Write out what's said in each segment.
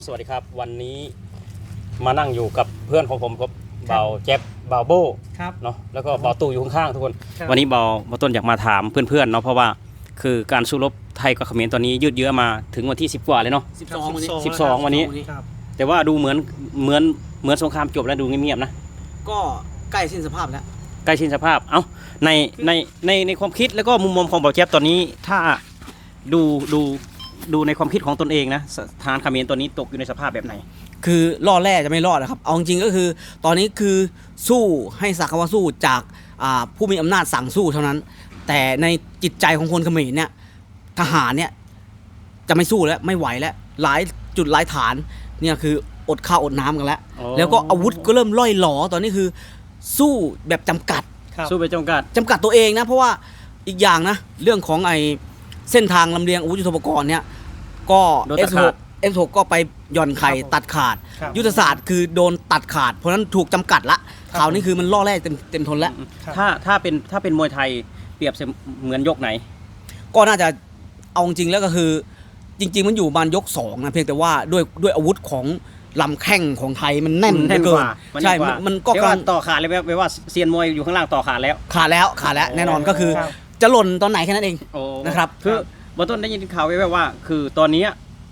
สวัสดีครับวันนี้มานั่งอยู่กับเพื่อนของผมครับเบาแจ๊บเบาโบเนาะแล้วก็เบาตู่อยู่ข้างๆทุกคนวันนี้เบาต้นอยากมาถามเพื่อนๆเนาะเพราะว่าคือการสู้รบไทยกับเขมรตอนนี้ยืดเยื้อมาถึงวันที่10 กว่าเลยเนาะ12วันนี้แต่ว่าดูเหมือนสงครามจบแล้วดูเงียบๆนะก็ใกล้สิ้นสภาพแล้วใกล้สิ้นสภาพในความคิดแล้วก็มุมมองของเบาแจ๊บตอนนี้ถ้าดูในความคิดของตนเองนะทหารเขมรตัวนี้ตกอยู่ในสภาพแบบไหนคือรอดแร่จะไม่รอดนะครับเอาจริงก็คือตอนนี้คือสู้ให้สักว่าสู้จากผู้มีอำนาจสั่งสู้เท่านั้นแต่ในจิตใจของคนเขมรเนี่ยทหารเนี่ยจะไม่สู้แล้วไม่ไหวแล้วหลายจุดหลายฐานเนี่ยคืออดข้าวอดน้ำกันแล้วแล้วก็อาวุธก็เริ่มล่อยหลอตอนนี้คือสู้แบบจำกัดสู้แบบจำกัดตัวเองนะเพราะว่าอีกอย่างนะเรื่องของเส้นทางลำเลียงอาวุธยุทโธปกรณ์เนี่ยก็ F6 ก็ไปหย่อนไข่ตัดขาดยุทธศาสตร์คือโดนตัดขาดเพราะนั้นถูกจำกัดละข่าวนี้คือมันล่อแร่เต็มทนแล้วถ้าเป็นมวยไทยเปรียบเหมือนยกไหนก็น่าจะเอาจริงแล้วก็คือจริงๆมันอยู่บานยก2นะเพียงแต่ว่าด้วยอาวุธของลำแข้งของไทยมันแน่นเกินใช่มันก็กำลังต่อขาดเลยแปลว่าเซียนมวยอยู่ข้างล่างต่อขาดแล้วแน่นอนก็คือจะหล่นตอนไหนแค่นั้นเองนะครับคือบางต้นได้ยินข่าวไว้ว่าคือตอนนี้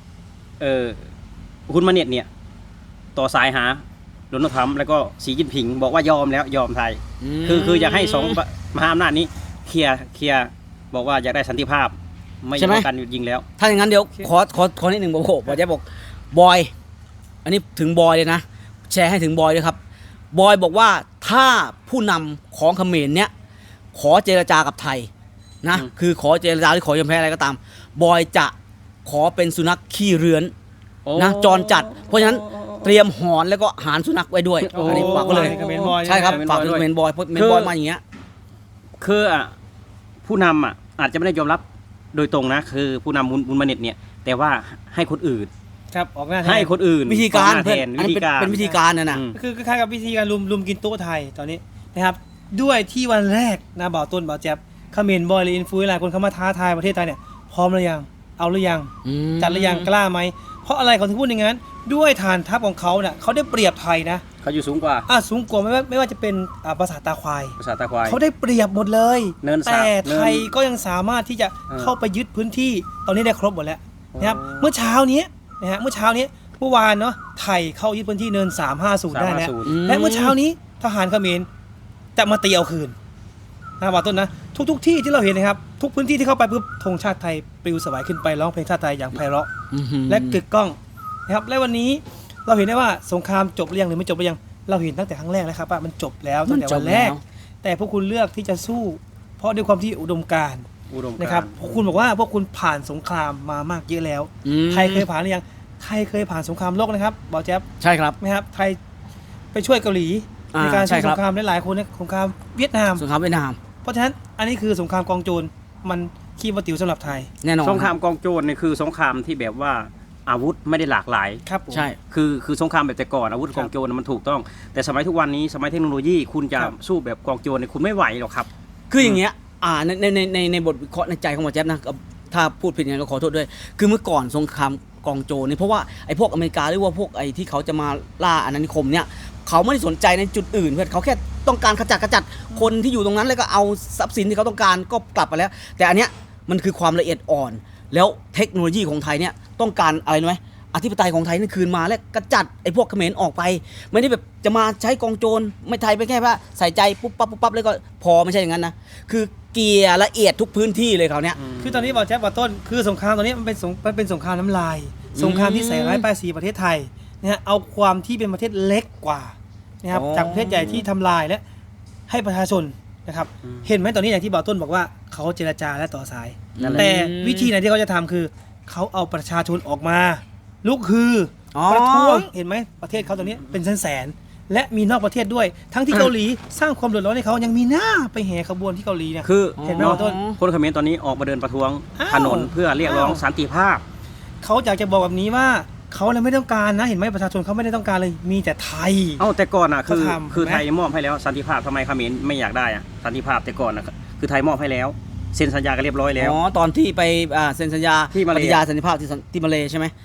คุณมาเน็ตเนี่ยต่อสายหาโดนัลด์ทรัมป์แล้วก็สีจิ้นผิงบอกว่ายอมไทยคืออยากให้2มหาอำนาจนี้เคลียร์บอกว่าอยากได้สันติภาพไม่อยากการหยุดยิงแล้วถ้าอย่างนั้นเดี๋ยวขอนิดหนึ่งบอกจะบอกบอยอันนี้ถึงบอยเลยนะแชร์ให้ถึงบอยเลยครับบอยบอกว่าถ้าผู้นำของเขมรเนี่ยขอเจรจากับไทยนะคือขอเจรจาหรือขอยอมแพ้อะไรก็ตามบอยจะขอเป็นสุนัขขี้เรือนนะจรจัดเพราะฉะนั้นเตรียมหอนแล้วก็หารสุนัขไว้ด้วยอันนี้ฝากก็เลยใช่ครับฝากถึงเมนบอยเพราะเมนบอยมาอย่างเงี้ยคือผู้นำอาจจะไม่ได้ยอมรับโดยตรงนะคือผู้นำบุญมาเน็ตเนี่ยแต่ว่าให้คนอื่นครับออกหน้าให้คนอื่นวิธีการเป็นวิธีการนะคือคล้ายกับวิธีการลุมกินโต๊ะไทยตอนนี้นะครับด้วยที่วันแรกนะบ่าวต้นบ่าวแจ๊บเขมรบอยหรืออินฟูหลายคนเข้ามาท้าทายประเทศไทยเนี่ยพร้อมหรือยังเอาหรือยังจัดหรือยังกล้าไหมเพราะอะไรเขาถึงพูดอย่างนั้นด้วยฐานทัพของเขาเนี่ยเขาได้เปรียบไทยนะเขาอยู่สูงกว่าสูงกว่าไม่ว่าจะเป็นภาษาตาควายเขาได้เปรียบหมดเลยแต่ไทยก็ยังสามารถที่จะเข้าไปยึดพื้นที่ตอนนี้ได้ครบหมดแล้วนะครับเมื่อเช้านี้เมื่อวานเนาะไทยเข้ายึดพื้นที่เนิน350ได้แล้วและเมื่อเช้านี้ทหารเขมรจะมาตีเอาคืนนะบ่าวต้นนะทุกที่ที่เราเห็นนะครับทุกพื้นที่ที่เข้าไปปุ๊บธงชาติไทยปลิวสวายขึ้นไปร้องเพลงชาติไทยอย่างไพเราะและกึกก้องนะครับและวันนี้เราเห็นได้ว่าสงครามจบหรือยังหรือไม่จบหรือยังเราเห็นตั้งแต่ครั้งแรกแล้วครับว่ามันจบแล้วตั้งแต่วันแรกแต่พวกคุณเลือกที่จะสู้เพราะด้วยความที่อุดมการณ์นะครับพวกคุณบอกว่าพวกคุณผ่านสงครามมามากเยอะแล้วไทยเคยผ่านหรือยังไทยเคยผ่านสงครามโลกนะครับบ่าวแจ๊บใช่ครับนะครับไทยไปช่วยเกาหลีในการสู้สงครามหลายๆคนในสงครามเวียดนามเพราะฉะนั้นอันนี้คือสงครามกองโจรมันขี้วัตถิวสำหรับไทยแน่นอนสงครามกองโจรเนี่ยคือสงครามที่แบบว่าอาวุธไม่ได้หลากหลายครับใช่คือสงครามแบบแต่ก่อนอาวุธกองโจรมันถูกต้องแต่สมัยทุกวันนี้สมัยเทคโนโลยีคุณจะสู้แบบกองโจรเนี่ยคุณไม่ไหวหรอกครับคืออย่างเงี้ยในบทวิเคราะห์ในใจของหมอแจ๊บนะถ้าพูดผิดยังไงก็ขอโทษด้วยคือเมื่อก่อนสงครามกองโจรนี่เพราะว่าไอ้พวกอเมริกาหรือว่าพวกไอ้ที่เขาจะมาล่าอาณานิคมเนี่ยเขาไม่ได้สนใจในจุดอื่นเพื่อนเขาแค่ต้องการขจัดคนที่อยู่ตรงนั้นแล้วก็เอาทรัพย์สินที่เขาต้องการก็กลับไปแล้วแต่อันเนี้ยมันคือความละเอียดอ่อนแล้วเทคโนโลยีของไทยเนี่ยต้องการอะไรรู้ไหมอธิปไตยของไทยนี่คืนมาและกระจัดไอ้พวกเขมรออกไปไม่ได้แบบจะมาใช้กองโจรไม่ไทยไปแค่ว่าใส่ใจปุ๊บปั๊บแล้วก็พอไม่ใช่อย่างนั้นนะคือเกียร์ละเอียดทุกพื้นที่เลยเขาเนี้ยคือตอนนี้บอกแจ๊บว่าต้นคือสงครามตอนนี้มันเป็นสงครามน้ำลายสงครามที่ใส่ร้ายป้ายสีประเทศไทยนะฮะเอาความที่เป็นประเทศเล็กกว่านะครับจากประเทศใหญ่ที่ทำลายและให้ประชาชนนะครับเห็นไหมตอนนี้อย่างที่บ่าวต้นบอกว่าเขาเจรจาและต่อสายแต่วิธีไหนที่เขาจะทำคือเขาเอาประชาชนออกมาลุกฮือประท้วงเห็นไหมประเทศเขาตอนนี้เป็นแสนและมีนอกประเทศด้วยทั้งที่เกาหลีสร้างความเดือดร้อนให้เขายังมีหน้าไปแห่ขบวนที่เกาหลีเนี่ยคือเห็นไหมบ่าวต้นคนเขมรตอนนี้ออกมาเดินประท้วงถนนเพื่อเรียกร้องสันติภาพเขาอยากจะบอกแบบนี้ว่าเขาเลยไม่ต้องการนะเห็นไหมประชาชนเขาไม่ได้ต้องการเลยมีแต่ไทยแต่ก่อนคือไทยมอบให้แล้วสันติภาพทำไมเขมรไม่อยากได้สันติภาพแต่ก่อนคือไทยมอบให้แล้วเซ็นสัญญากันเรียบร้อยแล้วตอนที่ไปเซ็นสัญญาปฏิญาณสันติภาพที่มาเลใช่ไหม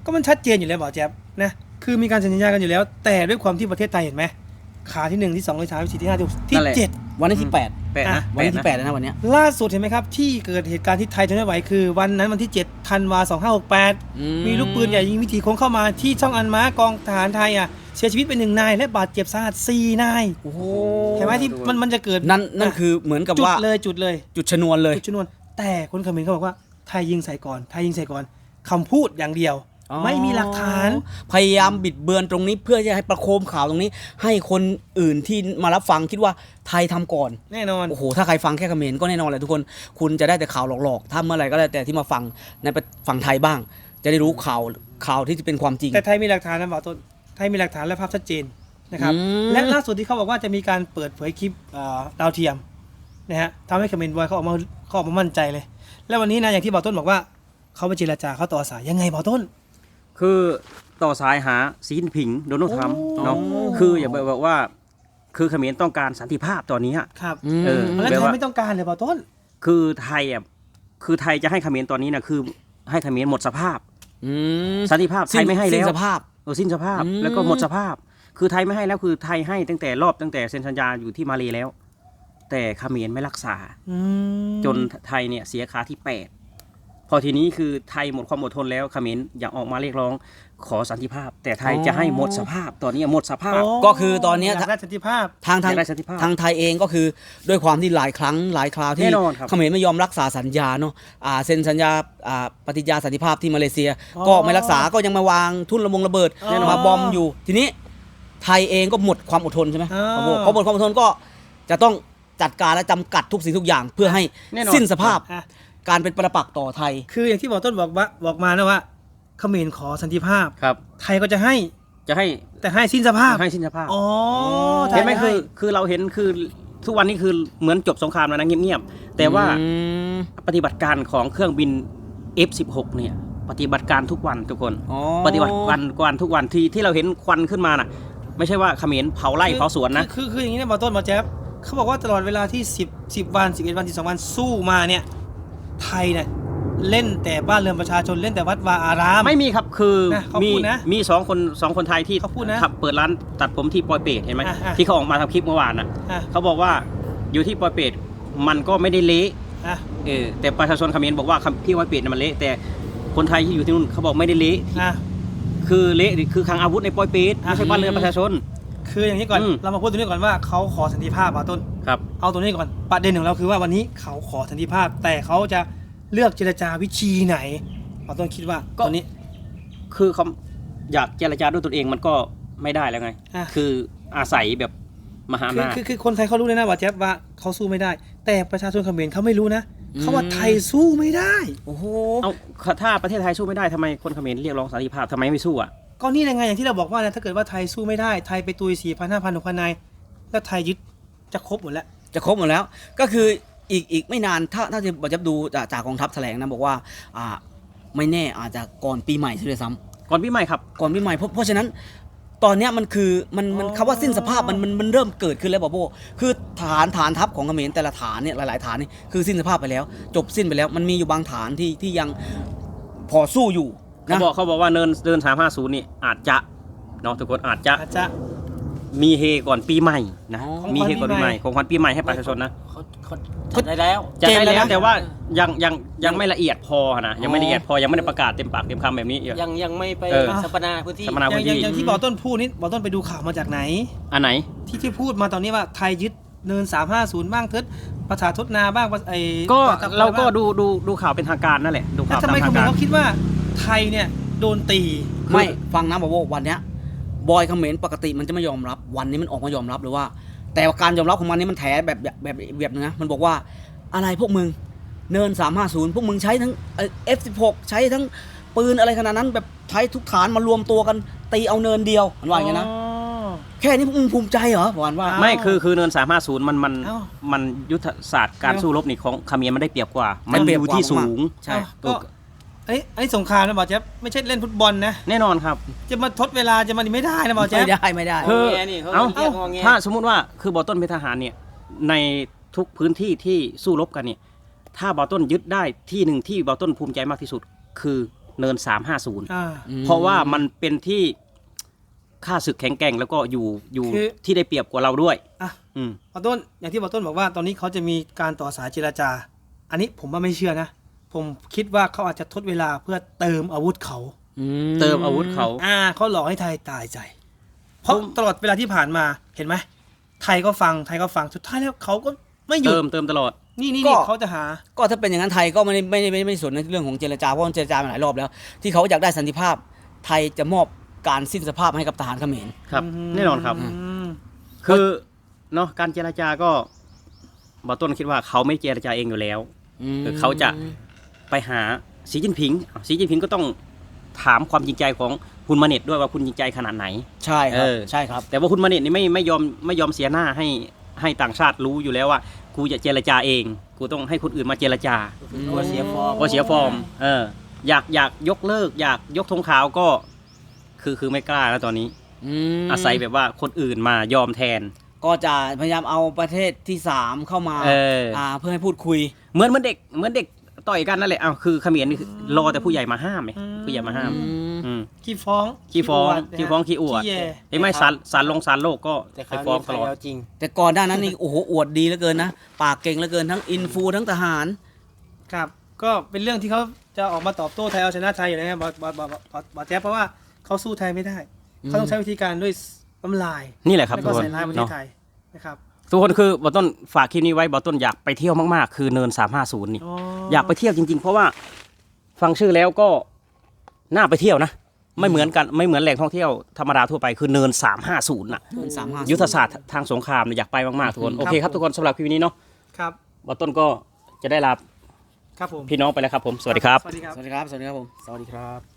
ก็มันชัดเจนอยู่แล้วบอกแจ๊บนะคือมีการสัญญากันอยู่แล้ว แต่ด้วยความที่ประเทศไทยเห็นไหมขาที่1ที่2ที่3ที่4ที่5ที่6ที่7 วันนี้ที่แปด 8 นะวันนี้ที่8แล้วนะวันเนี้ยล่าสุดเห็นไหมครับที่เกิดเหตุการณ์ที่ไทยทนไม่ไหวคือวันนั้นวันที่7ธันวา2568มีลูกปืนใหญ่ยิงวิถีโค้งเข้ามาที่ช่องอันม้ากองทหารไทยเสียชีวิตไป1 นายและบาดเจ็บสาหัส4 นายโอ้โหเห็นไหมที่มันจะเกิดนั่นคือเหมือนกับจุดว่าเลยจุดชนวนเลยจุดชนวนแต่คนเขมรเขาบอกว่าไทยยิงใส่ก่อนคำพูดอย่างเดียวไม่มีหลักฐานพยายามบิดเบือนตรงนี้เพื่อจะให้ประโคมข่าวตรงนี้ ให้คนอื่นที่มารับฟังคิดว่าไทยทำก่อนแน่นอนโอ้โหถ้าใครฟังแค่เขมรก็แน่นอนแหละทุกคนคุณจะได้แต่ข่าวหลอกๆถ้าเมื่อไหร่ก็แล้วแต่ที่มาฟังในฝั่งไทยบ้าง จะได้รู้ข่าวที่เป็นความจริงแต่ไทยมีหลักฐานนะบอกต้นไทยมีหลักฐานและภาพชัดเจนนะครับ และล่าสุดที่เขาบอกว่าจะมีการเปิดเผยคลิปดาวเทียมนะฮะทำให้เขมรบอยเขาออกมามั่นใจเลย แล้ววันนี้นะอย่างที่บอกต้นบอกว่าเขาไปเจรจาเขาต่อสายยังไงบอกต้นคือต่อสายหาสีจิ้นผิงโดนัลด์ทรัมป์เนาะโอ้คืออย่าบอกว่าคือเขมรต้องการสันติภาพตอนนี้ครับเออแล้วแปลไทยว่าไม่ต้องการเลยบอกต้นคือไทยคือไทยจะให้เขมรตอนนี้นะคือให้เขมรหมดสภาพ สันติภาพไทยไม่ให้แล้วสิ้นสภาพสิ้นสภาพแล้วก็หมดสภาพ คือไทยไม่ให้แล้วคือไทยให้ตั้งแต่เซ็นสัญญาอยู่ที่มาเลแล้ว แต่เขมรไม่รักษา จนไทยเนี่ยเสียขาที่ 8 พอทีนี้คือไทยหมดความอดทนแล้วเขมรอยากออกมาเรียกร้องขอสันติภาพ แต่ไทยจะให้หมดสภาพตอนนี้หมดสภาพก็คือตอนเนี้ยยากได้สันติภาพทางอยากได้สันติภาพทางไทยเองก็คือด้วยความที่หลายครั้งหลายคราวที่แน่นอนครับเขมรไม่ยอมรักษาสัญญาเนาะเซ็นสัญญาปฏิญาณสันติภาพที่มาเลเซียอ๋อก็ไม่รักษาก็ยังมาวางทุ่นระเบิดแน่นอนมาบอมอยู่ ทีนี้ไทยเองก็หมดความอดทนใช่ไหมอ่าพอหมดความอดทนก็จะต้องจัดการและจำกัดทุกสิ่งทุกอย่าง เพื่อให้แน่นอนสิ้นสภาพอ่ะการเป็นประปักษ์ต่อไทยคืออย่างที่บอกต้นบอกมานะว่าเขมรขอสันติภาพครับไทยก็จะให้จะให้แต่ให้สิ้นสภาพให้สิ้นสภาพอ๋อเห็นไหมทยให้คือเราเห็นคือทุกวันนี้คือเหมือนจบสงครามแล้วนะเงียบๆแต่ว่าปฏิบัติการของเครื่องบิน F16 เนี่ยปฏิบัติการทุกวันทุกคน ปฏิบัติการทุกวันที่เราเห็นควันขึ้นมาน่ะ ไม่ใช่ว่าเขมรเผาไร่เผาสวนนะคืออย่างนี้นะบอกต้นบอกแจ๊บเขาบอกว่าตลอดเวลาที่10 วัน11 วัน12 วันสู้มาเนี่ยไทยเนี่ยเล่นแต่บ้านเรือนประชาชนเล่นแต่วัดวาอารามไม่มีครับคือนะเขามีพูดนะมีสองคนไทยที่เขาพูดนะขับเปิดร้านตัดผมที่ปอยเปตเห็นไหมอ่ะที่เขาออกมาทำคลิปเมื่อวานน่ะอ่ะเขาบอกว่าอยู่ที่ปอยเปตมันก็ไม่ได้เละอ่ะแต่ประชาชนเขมรบอกว่าที่ปอยเปตน่ะมันเละแต่คนไทยที่อยู่ที่นู่นเขาบอกไม่ได้เละอ่ะคือเละคือคลังอาวุธในปอยเปตไม่ใช่บ้านเรือนประชาชนคืออย่างนี้ก่อนอืมเรามาพูดตรงนี้ก่อนว่าเขาขอสันติภาพบอกต้นครับเอาตรงนี้ก่อนประเด็นของเราคือว่าวันนี้เขาขอสันติภาพ แต่เขาจะเลือกเจรจาวิธีไหนเราต้องคิดว่าตอนนี้คือเขาอยากเจรจาด้วยตนเองมันก็ไม่ได้แล้วไงอ่ะคืออาศัยแบบมหาอำนาจคือคนไทยเขารู้เลยนะว่าแจ๊บว่าเขาสู้ไม่ได้ แต่ประชาชนเขมรเขาไม่รู้นะเขาว่าไทยสู้ไม่ได้โอ้โหเอาถ้าประเทศไทยสู้ไม่ได้ทำไมคนเขมรเรียกร้องสันติภาพทำไมไม่สู้อ่ะก็นี่ยังไงอย่างที่เราบอกว่านะถ้าเกิดว่าไทยสู้ไม่ได้ไทยไปตุย 4,000 5,000 6,000 นายแล้วไทยยึดจะครบหมดแล้วจะครบหมดแล้วก็คืออีกไม่นานถ้าจะดูจากกองทัพแถลงนะบอกว่าไม่แน่อาจจะก่อนปีใหม่ซะด้วยซ้ก่อนปีใหม่ครับำก่อนปีใหม่เพราะฉะนั้นตอนเนี้ยมันคือมันคำว่าสิ้นสภาพมันเริ่มเกิดขึ้นแล้วบอโบคือฐานทัพของเขมรแต่ละฐานเนี่ยหลายๆฐานนี่คือสิ้นสภาพไปแล้ว จบสิ้นไปแล้วมันมีอยู่บางฐานที่ยังพอสู้อยู่นะเขาบอกว่าเดิน350นี่อาจจะเนาะทุกคนอาจจะอาจจะมีเฮก่อนปีใหม่นะของมีเฮก่อนปีใหม่ของขวัญปีใหม่ให้ประชาชนนะจัดได้แล้วจะได้เจนแล้วแล้วนะแต่ว่ายังไม่ละเอียดพอนะยังไม่ละเอียดพอยังไม่ได้ประกาศเต็มปากเต็มคำแบบนี้ยังไม่ไปเออสัปนาพื้นที่สัมมนาอย่างที่บอกต้นพูดนี่บอกต้นไปดูข่าวมาจากไหนอันไหนที่พูดมาตอนนี้ว่าไทยยึดเนิน 350 บ้างเทิดประชาทดนาบ้างไอ้ก็ปตะเราก็บ้งดูข่าวเป็นทางการนั่นแหละดูแล้วข่าวทำไมตามเขทางมรการเขาคิดว่าไทยเนี่ยโดนตีไม่ฟังนะบอโบวันเนี้ยบอยเขมรปกติมันจะไม่ยอมรับวันนี้มันออกมายอมรับเลยว่า แต่การยอมรับของมันนี่มันแถแบบนึงนะมันบอกว่าอะไรพวกมึงเนิน350พวกมึงใช้ทั้งF16 ใช้ทั้งปืนอะไรขนาดนั้นแบบใช้ทุกฐานมารวมตัวกันตีเอาเนินเดียวมันว่าอย่างนี้นะแค่นี้พวกมึงภูมิใจเหรอวันว่าไม่คือเนิน350มันยุทธศาสตร์การเอ้าสู้รบนี่ของเขมรมันได้เปรียบกว่าได้มันเปรีอยบยู่กว่าที่สูงใช่ก็ไอ้สงครามนะบอกแจ๊บไม่ใช่เล่นฟุตบอลนะแน่นอนครับจะมาทดเวลาจะมาไม่ได้นะบอกแจ๊บไม่ได้คือแงนี่เขาเอ้าเรียกงอแงถ้าสมมุติว่าคือบอต้นเป็นทหารเนี่ยในทุกพื้นที่ที่สู้รบกันเนี่ยถ้าบอต้นยึดได้ที่หนึ่งที่บอต้นภูมิใจมากที่สุดคือเนิน 350 อ่าเพราะว่ามันเป็นที่ค่าศึกแข็งแกร่งแล้วก็อยู่คือที่ได้เปรียบกว่าเราด้วยอ่ะอืมบอต้นอย่างที่บอต้นบอกว่าตอนนี้เขาจะมีการต่อสายเจรจา อันนี้ผมว่าไม่เชื่อนะ ผมคิดว่าเขาอาจจะทดเวลาเพื่อเติมอาวุธเขาเติมอาวุธเขาเขาหลอกให้ไทยตายใจ เพราะตลอดเวลาที่ผ่านมาเห็นไหมไทยก็ฟังสุดท้ายแล้วเขาก็ไม่หยุดเติมตลอดนี่ก็เขาจะหาก็ถ้าเป็นอย่างนั้นไทยก็ไม่สนในเรื่องของเจรจาเพราะเจรจามาหลายรอบแล้ว ที่เขาอยากได้สันติภาพ ไทยจะมอบการสิ้นสภาพให้กับทหารเขมรครับอืมแน่นอนครับอืมคือเนาะการเจรจาก็บอต้นคิดว่าเขาไม่เจรจาเองอยู่แล้ว คือเขาจะไปหาสีจิ้นผิงสีจิ้นผิงก็ต้องถามความจริงใจของคุณมาเน็ตด้วยว่าคุณจริงใจขนาดไหนใช่ครับเออใช่ครับแต่ว่าคุณมาเน็ตนี่ไม่ยอมเสียหน้าให้ต่างชาติรู้อยู่แล้วว่ากูจะเจรจาเอง กูต้องให้คนอื่นมาเจรจากลัวเสียฟอร์มก็เสียฟอร์มอยากยกเลิกอยากยกธงขาวก็คือไม่กล้าแล้วตอนนี้ อาศัยแบบว่าคนอื่นมายอมแทนก็จะพยายามเอาประเทศที่ 3 เข้ามา เพื่อให้พูดคุยเหมือนเด็กต่อยกันนั่นแหละอ้าวคือเขมรนี่คือรอแต่ผู้ใหญ่มาห้ามไงผู้ใหญ่มาห้ามอืมขี้ฟ้องขี้ฟ้องขี้อวดขี้แย่เห็นไหมศาลโลกก็แต่คไปราวฟ้องนี้ตลอดใครเอาจริงแต่ก่อนหน้านั้นนี่ โอ้โหอวดดีเหลือเกินนะ ปากเก่งเหลือเกินทั้งอินฟูทั้งทหารครับ ก็เป็นเรื่องที่เขาจะออกมาตอบโต้ไทยเอาชนะไทยอยู่แล้วนะบอแจ๊บเพราะว่าเขาสู้ไทยไม่ได้ เขาต้องใช้วิธีการด้วยน้ำลายนี่แหละครับแล้วทุก็กคนใส่ร้ายประเทเนาะศไทยนะครับทุกคนคือบอต้นฝากคลิปนี้ไว้บอต้นอยากไปเที่ยวมากๆคือเนิน 350นี่ อยากไปเที่ยวจริงๆ เพราะว่าฟังชื่อแล้วก็น่าไปเที่ยวนะ ไม่เหมือนแหล่งท่องเที่ยวธรรมดาทั่วไปคือเนิน 350น่ะเนิน350 ยุทธศาสตร์ทางสงครามเนี่ยอยากไปมากๆทุกคน โอเคครับทุกคนสำหรับคลิปนี้เนาะครับบอต้นก็จะได้ลาครับผมพี่น้องไปแล้วครับผม สวัสดีครับสวัสดีครับสวัสดีครับ สวัสดีครับผมสวัสดีครับ